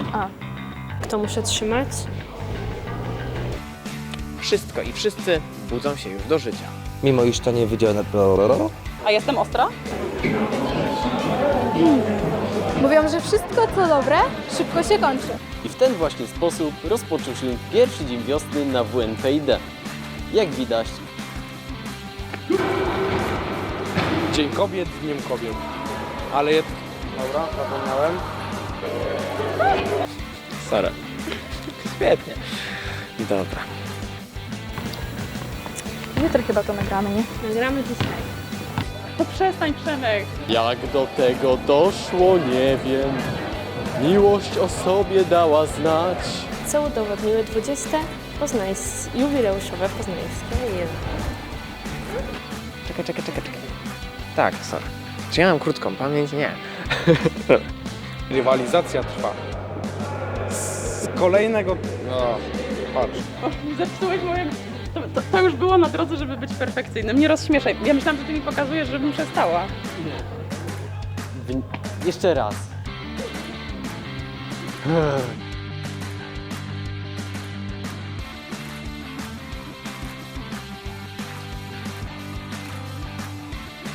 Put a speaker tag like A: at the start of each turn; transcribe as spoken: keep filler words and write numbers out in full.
A: A. Kto muszę trzymać?
B: Wszystko i wszyscy budzą się już do życia.
C: Mimo iż to nie wydział na...
D: A jestem ostra?
E: Mówią, że wszystko co dobre szybko się kończy.
F: I w ten właśnie sposób rozpoczął się pierwszy dzień wiosny na W N P I D. Jak widać,
G: Dzień Kobiet, Dniem Kobiet. Ale jed... Dobra, zapomniałem.
B: Sara. Świetnie. Dobra.
E: Jutro chyba to nagramy, nie?
A: Nagramy dzisiaj.
D: To przestań, Przemek.
F: jak do tego doszło, nie wiem. Miłość o sobie dała znać.
A: Co udowodniły dwudzieste poznańskie, jubileuszowe poznańskie języki.
B: Czekaj, czekaj, czekaj, czekaj. Tak, Sara. Czy ja mam krótką pamięć? Nie.
G: Rywalizacja trwa. Z kolejnego... O, patrz.
D: Zepsułeś moje... To, to, to już było na drodze, żeby być perfekcyjnym. Nie rozśmieszaj. Ja myślałam, że ty mi pokazujesz, żebym przestała.
F: Wy... Jeszcze raz.